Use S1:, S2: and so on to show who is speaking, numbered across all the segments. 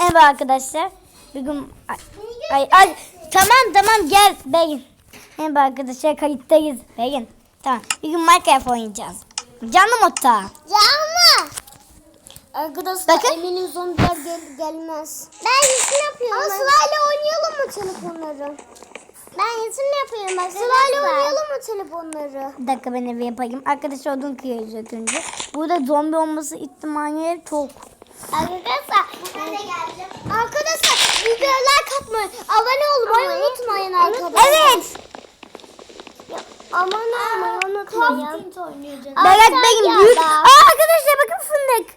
S1: Merhaba arkadaşlar. Bugün ay, tamam gel Begin. Merhaba arkadaşlar, kayıttayız Begin. Tamam. Bugün Minecraft oynayacağız. Canlı modda.
S2: Canlı. Arkadaşlar
S1: Bakın.
S2: eminim zombiler gelmez. Ben yetim yapıyorum. Ama Sıla'yla oynayalım mı telefonları? Ben yetim yapıyorum. Sıla'yla oynayalım mı telefonları?
S1: Bir dakika, ben evi yapayım. Arkadaşlar odun kıyıyoruz ilk önce. Burada zombi olması ihtimali çok.
S2: Arkadaşlar ben de geldim. Arkadaşlar videolar katmayın. Abone olmayı unutmayın arkadaşlar.
S1: Evet.
S2: Aman olmayı unutmayın.
S1: Berat Begin büyük. Arkadaşlar bakın fındık.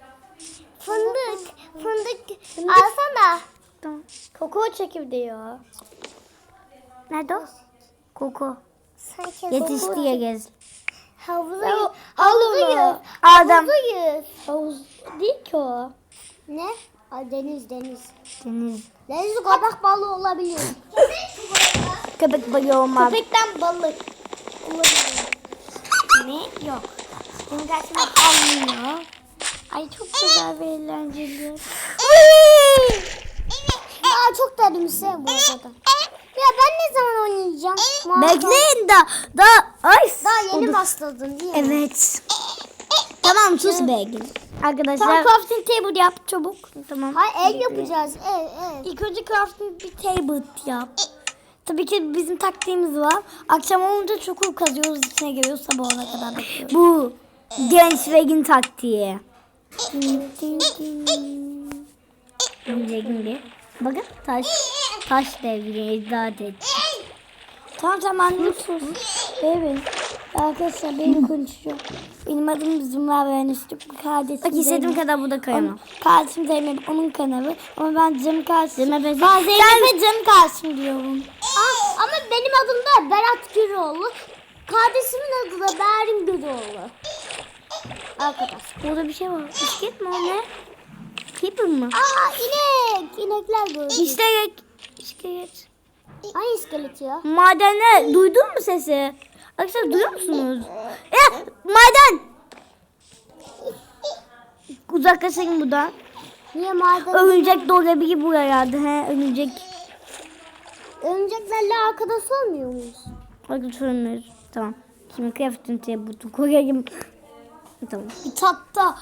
S2: Fındık. Alsana.
S1: Tamam.
S2: Kokoo çekirdeği.
S1: Nerede o? Koku.
S2: Sanki
S1: Yetiştiğe gez.
S2: Havuzuyuz.
S1: Adam.
S2: Havuzuyuz. Havuz değil ki o. Ne? Ay, deniz.
S1: Deniz.
S2: Deniz köpek balığı olabilir.
S1: Köpek balığı olmaz.
S2: Köpekten balık olabilir.
S1: Ne? Yok. Benim karşıma kalmıyor. Ay çok güzel ve eğlenceli.
S2: Aa, çok derimse bu arada. Ya ben ne zaman oynayacağım?
S1: Bekleyin da ay.
S2: Daha yeni başladın değil mi?
S1: Evet. Tamam sus Begin. Arkadaşlar.
S2: Tamam,
S1: crafting table yap çabuk. Tamam.
S2: Hayır, ev yapacağız. Ev.
S1: İlk önce crafting bir table yap. Tabii ki bizim taktiğimiz var. Akşam olunca çukur kazıyoruz, içine giriyoruz, sabah olana kadar bekliyoruz. Bu genç Begin taktiği. Begin bir. Bakın taş devri icat et. Tamam anne sus. Evet. Arkadaşlar benim konuşuyor. Benim adım Zümra Mühendislik. Kardeşim. Bak istediğim kadar burada kayamam. Kardeşim Zeynep, onun kanalı. Ama ben Cem kardeşim. Zeynep'e Cem kardeşim diyorum.
S2: Ama benim adım da Berat Güroğlu. Kardeşimin adı da Berin Güroğlu. Arkadaş.
S1: Burada bir şey var. İskelet mi o ne? Creeper mı?
S2: İnek. İnekler gördüm.
S1: İskelet.
S2: Hangi iskelet ya?
S1: Madende duydun mu sesi? Arkadaşlar duyuyor musunuz? Ya maden. Uzaklaşın buradan.
S2: Niye maden?
S1: Örümcek doğru gibi buraya geldi. Örümcek.
S2: Örümceklerle arkadaş olmuyor muyuz?
S1: Arkadaşlar tamam. Şimdi crafting table'u koyayım. Tamam.
S2: Tatta.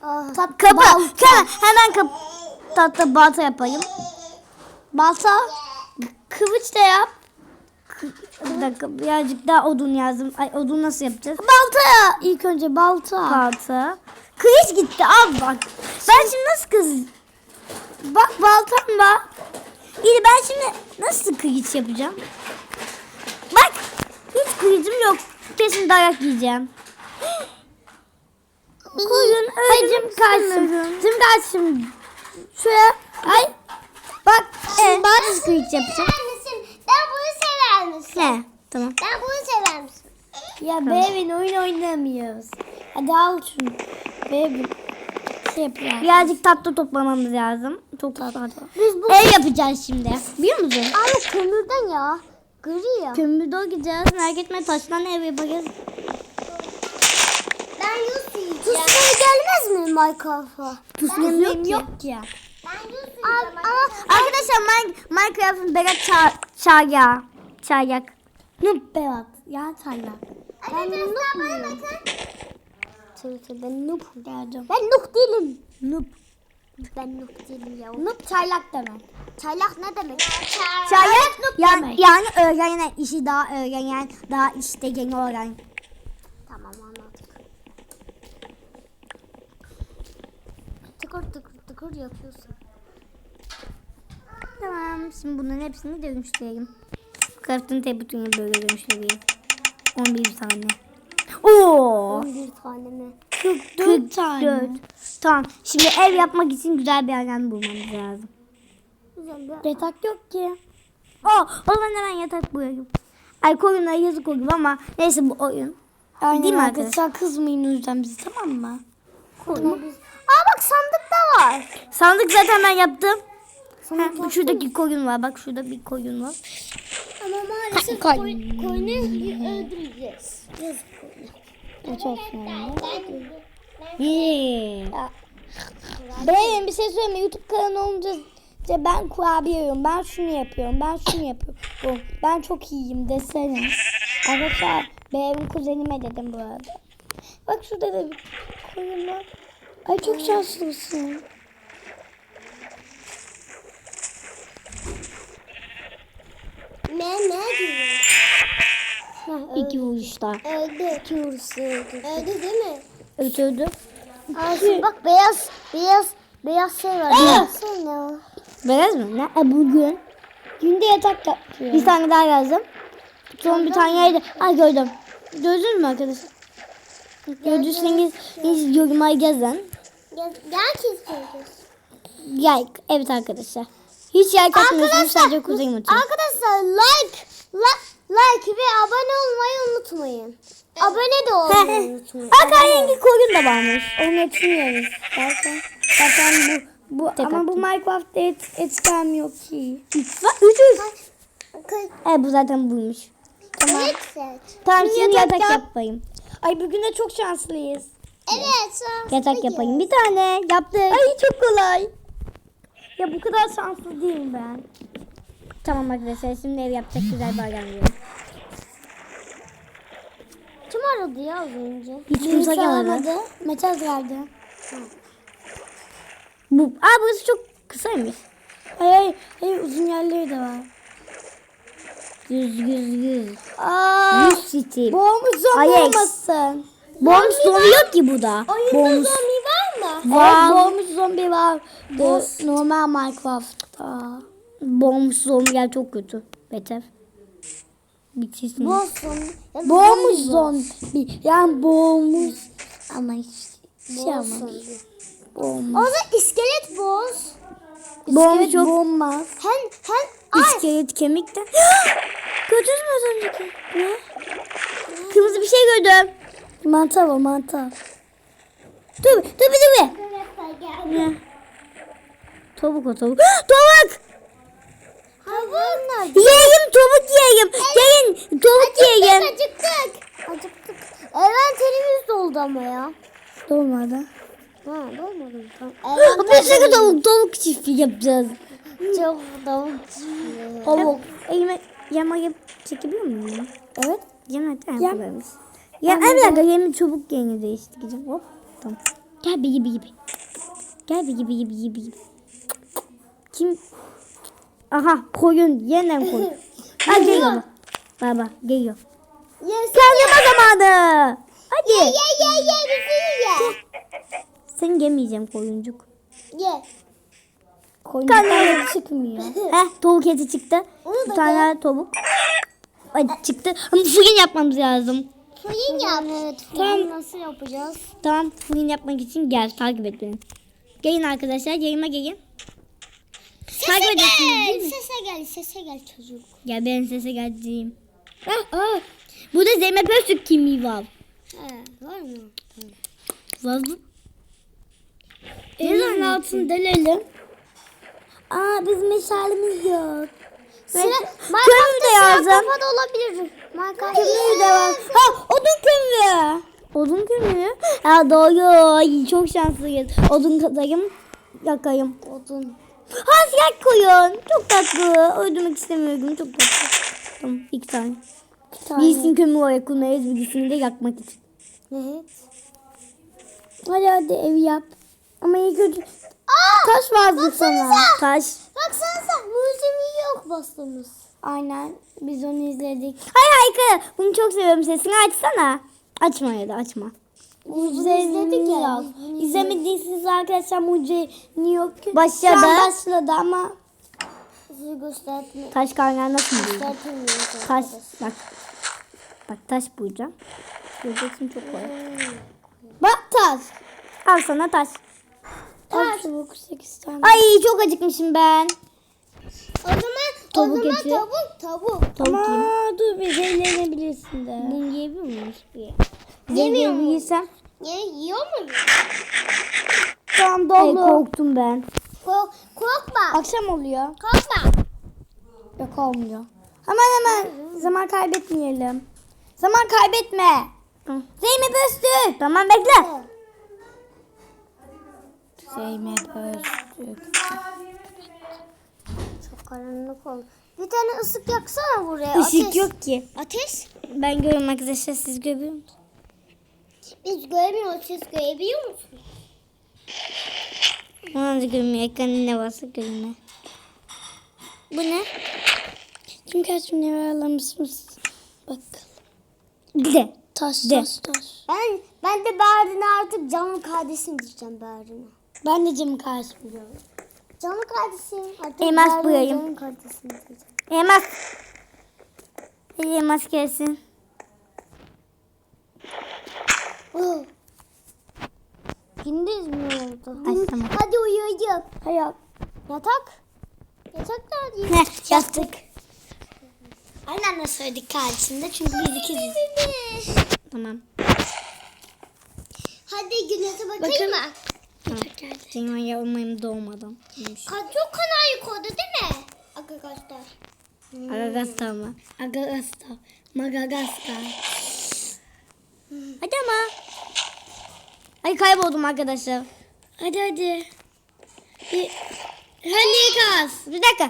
S1: Hemen tahta balta yapayım. Balta. Kılıç da yap. Bir dakika, birazcık daha odun yazdım. Ay, odun nasıl yapacağız?
S2: Balta. İlk önce balta.
S1: Balta. Kılıç gitti, al bak. Ben şimdi nasıl Bak baltam var. İyi, ben şimdi nasıl kılıç yapacağım? Bak, hiç kılıcım yok. Kesin dayak yiyeceğim. Koyun öldüm karşım. Tüm karşım. Şuraya. Ay. Bak. Ben nasıl kılıç yapacağım?
S2: Ben bunu sever misin?
S1: Ne? Tamam.
S2: Ben bunu sever misin?
S1: Ya Bevin oyun oynamıyoruz. Hadi al şunu. Bevin. Şey yapalım. Birazcık tatlı toplamamız lazım. Çok tatlı.
S2: Biz bu
S1: Ev yapacağız şimdi. Biliyor musun?
S2: Abi kömürden ya. Gri ya.
S1: Kömürde gideceğiz. Merak etme, taştan ev yapacağız.
S2: Ben yus yiyeceğim. Tuzları gelmez mi Minecraft'a?
S1: Tuzum yok ki.
S2: Ben yus yiyeceğim.
S1: Ama arkadaşlar Minecraft'ın Berat çayak. Noob Berat. Ya çayak.
S2: Ben noob muyum?
S1: Ben noob geldim.
S2: Ben noob değilim.
S1: Noob.
S2: Ben noob değilim ya.
S1: Noob çaylak demek.
S2: Çaylak ne demek?
S1: Çaylak yani öğrenen işi daha öğrenen, daha işte yeni öğren.
S2: Tamam, anladık. Tıkır yapıyorsun.
S1: Tamam, şimdi bunların hepsini dönüştüreyim. Crafting table'ını böyle dönüştüreyim. 11 tane. Oo!
S2: 11 tane mi?
S1: 44 tane. Tamam. Şimdi ev yapmak için güzel bir alan bulmamız lazım.
S2: Güzel bir...
S1: Yatak yok ki. O zaman hemen yatak koyayım. Ay, koyunlara yazık olur ama neyse, bu oyun.
S2: Aynen,
S1: değil mi arkadaşlar? Kızmayın o yüzden bizi, tamam mı?
S2: Tamam. Bak, sandık da var.
S1: Sandık zaten ben yaptım.
S2: Sandık
S1: Şuradaki koyun var. Bak şurada bir koyun var.
S2: Ama maalesef koyunu öldüreceğiz. Yazık koyunu.
S1: Çok fena. Yeah. Benim bir şey söyleme. YouTube kanalı olunca ben kurabiye yiyorum. Ben şunu yapıyorum. Ben şunu yapıyorum. Ben çok iyiyim desene. Arkadaşlar benim kuzenime dedim bu arada. Bak şurada da bir koyun var. Ay çok şanslısın.
S2: Ne diyor?
S1: İki vuruşta.
S2: Öldü. İki vuruşta öldü. Öldü değil mi?
S1: Öldürdü.
S2: Bak beyaz şey var. Beyaz şey ne o?
S1: Beyaz mı? Ne? Bugün. Günde yatak yapıyor. Bir tane daha yazdım. Son bir tane yerde. Ay gördüm. Gördünüz mü arkadaşlar? Gördüyseniz yoruma yazın.
S2: Gel kesiyoruz.
S1: Like. Evet arkadaşlar. Hiç yer katmıyorsunuz. Sadece kuzenim atıyor.
S2: Arkadaşlar like ve abone olmayı unutmayın. Abone de olmayı unutmayın.
S1: Rengi koyun da varmış. Onu açmıyoruz. Zaten bu ama bu Minecraft'ta et gelmiyor ki. 300. Bu zaten buymuş.
S2: Tamam.
S1: Tamam şimdi yatak yapayım. Ay bugün de çok şanslıyız.
S2: Evet.
S1: Yatak yapayım. Bir tane yaptık. Ay çok kolay. Ya bu kadar şanslı değilim ben. Tamam arkadaşlar şimdi ev yapacak güzel bir adam diyorum.
S2: Kim aradı ya az önce?
S1: Hiç kimse gelmedi. Mesaj geldi. Burası çok kısaymış. Hayır uzun yerleri de var. 100. 100 city. Boğmuş zombi olmasın. Boğmuş zombi yok ki burada.
S2: Oyunda zombi var mı?
S1: Var. Boğmuş zombi var. Normal Minecraft'ta. Boğmuş zombiler çok kötü. Beter. Bitirsin. Boğmuş zombi. Yani boğmuş. Ama hiç şey ama. Boğmuş.
S2: O da iskelet boz.
S1: Boğmuş çok. Boğmaz.
S2: Ay.
S1: İskelet kemik de. Gördünüz mü az önceki? Ne? Kırmızı bir şey gördüm. Mantar o mantar. Dur. Ne? Tavuk o tavuk. Tavuk! Yiyeyim tavuk yiyeyim. Gelin tavuk yiyeyim.
S2: Acıktık. Envanterimiz doldu ama ya.
S1: Dolmadı.
S2: Dolmadı mı? Tamam.
S1: Bir sürü tavuk çiftliği yapacağız.
S2: Çok tavuk.
S1: Tavuk. Elime yemek çekebiliyor muyum? Evet. Yemek yapabiliriz. Ya bir dakika yemin çabuk yeni değiştireceğim. Hop. Tamam. Gel bir gibi. Gel bir gibi. Kim? Aha koyun. Yeniden koyun. Ha geliyor. Baba geliyor. Kazanma zamanı. Hadi.
S2: Ye bizi ye.
S1: Seni yemeyeceğim koyuncuk.
S2: Ye.
S1: Karnına çıkmıyor. Tavuk eti çıktı. Bir tane tavuk. Ay çıktı. Ama fırın yapmamız lazım.
S2: Fırın yap. Evet.
S1: Tamam.
S2: Nasıl yapacağız?
S1: Tamam fırın yapmak için gel takip et beni. Gelin arkadaşlar yayıma gelin. Takip edin.
S2: Sese gel çocuk.
S1: Gel ben sese geleceğim. Burada Zeynep Öztürk kimliği var.
S2: Var mı?
S1: Var mı? Elin altını delelim. Bizim meşalemiz yok. Kömür de yazdım.
S2: Kafada olabilir.
S1: Kömür de var. Odun kömürü. Odun kömürü. Doğru. Ay, çok şanslıyız. Odun katayım. Yakayım.
S2: Odun.
S1: Siyah koyun. Çok tatlı. Öldürmek istemiyorum. Çok tatlı. Tamam 2 tane. Birisini kömür olarak kullanırız. Birisini de yakmak için.
S2: Evet.
S1: Hadi evi yap. Ama ilk önce taş vardı sana. Taş.
S2: Baksanıza mucizevi yok bastığımız.
S1: Aynen. Biz onu izledik. Hayır. Bunu çok seviyorum. Sesini açsana. Açma ya da açma.
S2: izledik ya.
S1: İzlemediyseniz arkadaşlar Mucize New York başladı ama
S2: Sizi göstermiyor.
S1: taş kaynağı nasıl bulacağım?
S2: Göstermiyor.
S1: Taş bak taş bulacağım. Göreceksin çok kolay. Bak taş. Al sana taş.
S2: Taş.
S1: 8 tane. Ay çok acıkmışım ben.
S2: O zaman
S1: Tavuk eti.
S2: tavuk.
S1: Ama dur bir zehirlenebilirsin de. Bunu yiyebiliyor muyuz? Zehirlenebilirsem.
S2: Yiyor mu?
S1: Tamam dolu. Korktum ben.
S2: Korkma.
S1: Akşam oluyor.
S2: Korkma.
S1: Yok olmuyor. Hemen zaman kaybetmeyelim. Zaman kaybetme. Zeynep Öztürk. Tamam bekle. Zeynep Öztürk.
S2: Çok karanlık oldu. Bir tane ısık yaksana buraya.
S1: Işık
S2: Ateş.
S1: yok ki.
S2: Ateş.
S1: Ben görüyorum arkadaşlar, siz görüyor musunuz?
S2: Biz göremiyoruz. Siz görebiliyor musunuz?
S1: Ona da görünmüyor. Ekranın ne varsa görünmüyor. Bu ne? Kim kaç ne ayarlamışsınız? Bakalım. De. Taş.
S2: Ben de Berrin'e artık canım kardeşim diyeceğim Berrin'e.
S1: Ben de Cem karşı biliyorum.
S2: Canım kardeşim. Artık
S1: Elmas
S2: Berrin'e
S1: boyayım.
S2: Canım kardeşim diyeceğim.
S1: Elmas. Elmas gelsin.
S2: Oh. Gündüz mü oldu?
S1: Ay, tamam.
S2: Hadi uyuyalım.
S1: Hayat.
S2: Yatak. Yatak nerede?
S1: Ne? Yastık. Aynı anda söyledik kardeşimde çünkü biz ikiziz. Tamam.
S2: Hadi güneşe bakayım mı?
S1: Tamam. Senin yavrumayım doğmadan.
S2: Çok kanal yukarıda değil mi? Arkadaşlar.
S1: Agagasta mı? Agagasta. Magagasta. Hadi ama. Ay kayboldum arkadaşlar. Hadi. Hadi kas. Bir dakika.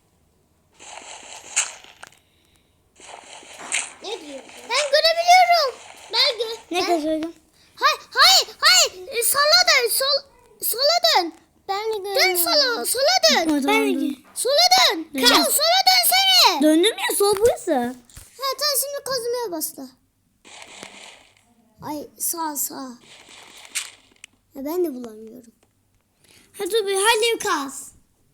S2: Ne diyor? Ben görebiliyorum.
S1: Ne kazıyorum?
S2: Hayır. Sola dön. Sola dön. Ben de göremiyorum. Dön sola dön. Sola dön.
S1: Tamam.
S2: Sola dönsene.
S1: Döndüm ya, sol burası.
S2: Ha tamam, şimdi kazmaya başla. Ay sağ. Ya ben de bulamıyorum.
S1: Hadi kas.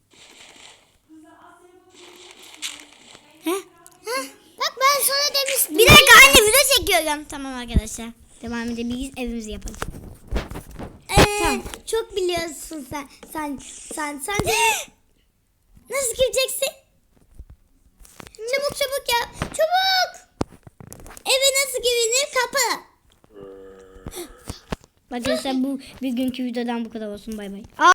S2: Bak ben sana demiştim.
S1: Bir dakika anne, video çekiyorum. Tamam arkadaşlar. Devam edebiliriz, evimizi yapalım. Tamam.
S2: Çok biliyorsun sen. Sen
S1: Nasıl gireceksin?
S2: çabuk yap. Çabuk.
S1: Eve nasıl girilir? Kapı. Arkadaşlar bu bugünkü videodan bu kadar olsun. Bay bay.